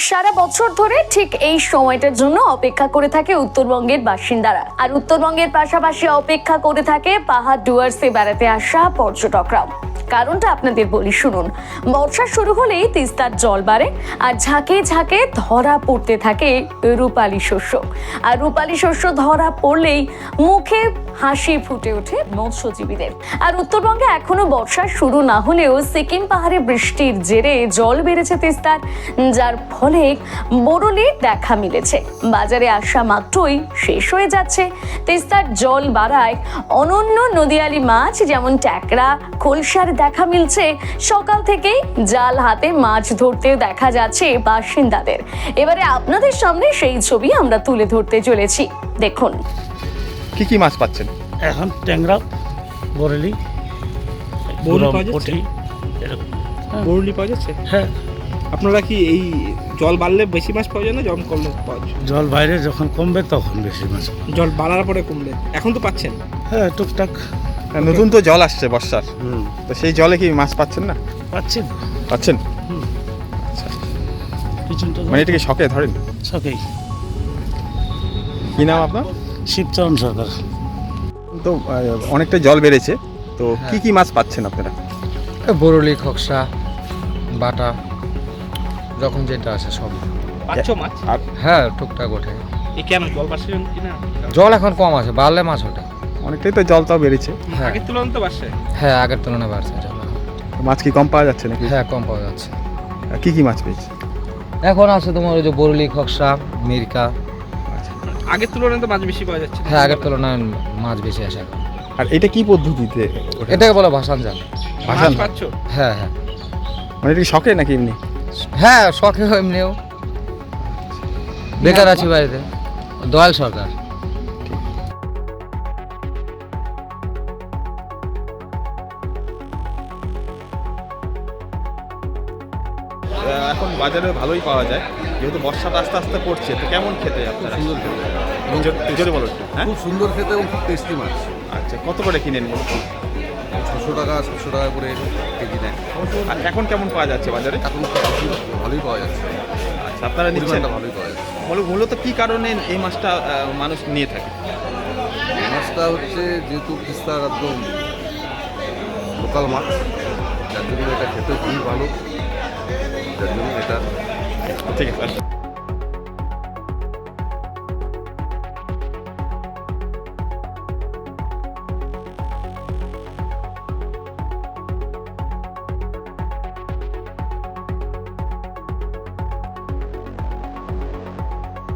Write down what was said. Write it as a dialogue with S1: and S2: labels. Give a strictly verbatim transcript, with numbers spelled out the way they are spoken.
S1: সারা বছর ধরে ঠিক এই সময়টার জন্য অপেক্ষা করে থাকে উত্তরবঙ্গের বাসিন্দারা, আর উত্তরবঙ্গের পাশাপাশি অপেক্ষা করে থাকে পাহাড় ডুয়ার্সে বেড়াতে আসা পর্যটকরাও। কারণটা আপনাদের বলি, শুনুন। বর্ষা শুরু হলেই তিস্তার জল বাড়ে আর ঝাঁকে ঝাঁকে ধরা পড়তে থাকে রূপালী শস্য, আর রূপালী শস্য ধরা পড়লেই মুখে হাসি ফুটে ওঠে মৎস্যজীবীদের। আর উত্তরবঙ্গে এখনো বর্ষা শুরু না হলেও সিকিম পাহাড়ে বৃষ্টির জেরে জল বেড়েছে তিস্তার, যার ফলে বরলির দেখা মিলেছে। বাজারে আসা মাত্রই শেষ হয়ে যাচ্ছে। তিস্তার জল বাড়ায় অনন্য নদীয়ালি মাছ যেমন ট্যাকরা, খোলসার দেখা মিলছে। সকাল থেকেই জাল হাতে মাছ ধরতে দেখা যাচ্ছে বাসিন্দাদের। এবারে আপনাদের সামনে সেই ছবি আমরা তুলে ধরতে চলেছি, দেখুন।
S2: কি কি মাছ পাচ্ছেন
S3: এখন? ট্যাংরা, বরেলি,
S4: বরলি পাওয়া যাচ্ছে?
S3: এরকম
S4: বরলি পাওয়া যাচ্ছে?
S3: হ্যাঁ।
S4: আপনারা কি এই জল বাড়লে বেশি মাছ পাওয়া যায় না জল কমলে পাওয়া যায়?
S3: জল বাইরে যখন কমবে তখন বেশি মাছ পাবে।
S4: জল বাড়ার পরে কমলে এখন তো পাচ্ছেন?
S3: হ্যাঁ, টুকটাক।
S2: নতুন তো জল আসছে বর্ষার,
S3: হুম,
S2: তো সেই জলে কি মাছ পাচ্ছেন না?
S3: পাচ্ছি তো।
S2: পাচ্ছেন?
S3: হুম,
S2: আচ্ছা,
S3: পিছনটা
S2: মানে এটা কি শখে ধরেন?
S3: সকেই।
S2: কি নাম আপনার?
S3: শিবচরণ সরকার।
S2: তো আহ, অনেকটা জল বেড়েছে, তো কি কি মাছ পাচ্ছেন আপনারা?
S5: বরলি, খকসা, বাটা, যখন যেটা আছে সব।
S4: পাচ্ছ মাছ?
S2: আর
S5: হ্যাঁ, টুকটাক ওঠে।
S4: এই কেন জল বাড়ছে কিনা?
S5: জল এখন কম আছে, বাড়লে মাছ ওঠে।
S2: অনেকটাই তো জলটাও বেড়েছে,
S5: হ্যাঁ।
S4: আগের তুলনায় তো বাড়ছে?
S5: হ্যাঁ, আগের তুলনায় বাড়ছে জল।
S2: মাছ কি কম পাওয়া যাচ্ছে নাকি?
S5: হ্যাঁ, কম পাওয়া যাচ্ছে।
S2: আর কি কি মাছ পেয়েছে?
S5: এখন আছে তোমার ওই যে বরলি, খকসা, মিরকা।
S4: আগের তুলনায় তো মাছ বেশি পাওয়া যাচ্ছে?
S5: হ্যাঁ, আগের তুলনায় মাছ বেশি আসে এখন।
S2: আর এটা কি পদ্ধতিতে ওঠে?
S5: এটাকে বলে ভাসান জাল।
S2: ভাসান?
S4: মাছ পাচ্ছ?
S5: হ্যাঁ হ্যাঁ
S2: মানে এটা কি শখে নাকি এমনি?
S5: হ্যাঁ, শখে এমনিও। বেকার আছি বাড়িতে। দয়াল সরকার।
S2: এখন বাজারে ভালোই পাওয়া যায়, যেহেতু বর্ষাটা আস্তে আস্তে পড়ছে, তো কেমন খেতে আপনারা?
S6: সুন্দর খেতে এবং
S2: জোরে- জোরে বলো একটু। হ্যাঁ,
S6: খুব সুন্দর খেতে এবং খুব টেস্টি মাছ।
S2: আচ্ছা, কত করে কিনেন?
S6: ছশো টাকা সাতশো টাকা করে কেজি নেয়।
S2: আর এখন কেমন পাওয়া যাচ্ছে বাজারে?
S6: এখন ভালোই পাওয়া যাচ্ছে,
S2: আচ্ছা, আপনারা নিচ্ছেন?
S6: পরিমাণটা ভালোই পাওয়া যাচ্ছে।
S2: মূল- মূলত কি কারণে এই মাছটা আহ, মানুষ নিয়ে থাকে?
S6: মাছটা হচ্ছে যেহেতু তিস্তার একদম লোকাল মাছ, যার জন্য এটা খেতে খুবই ভালো, যার জন্য এটা
S2: ঠিক আছে।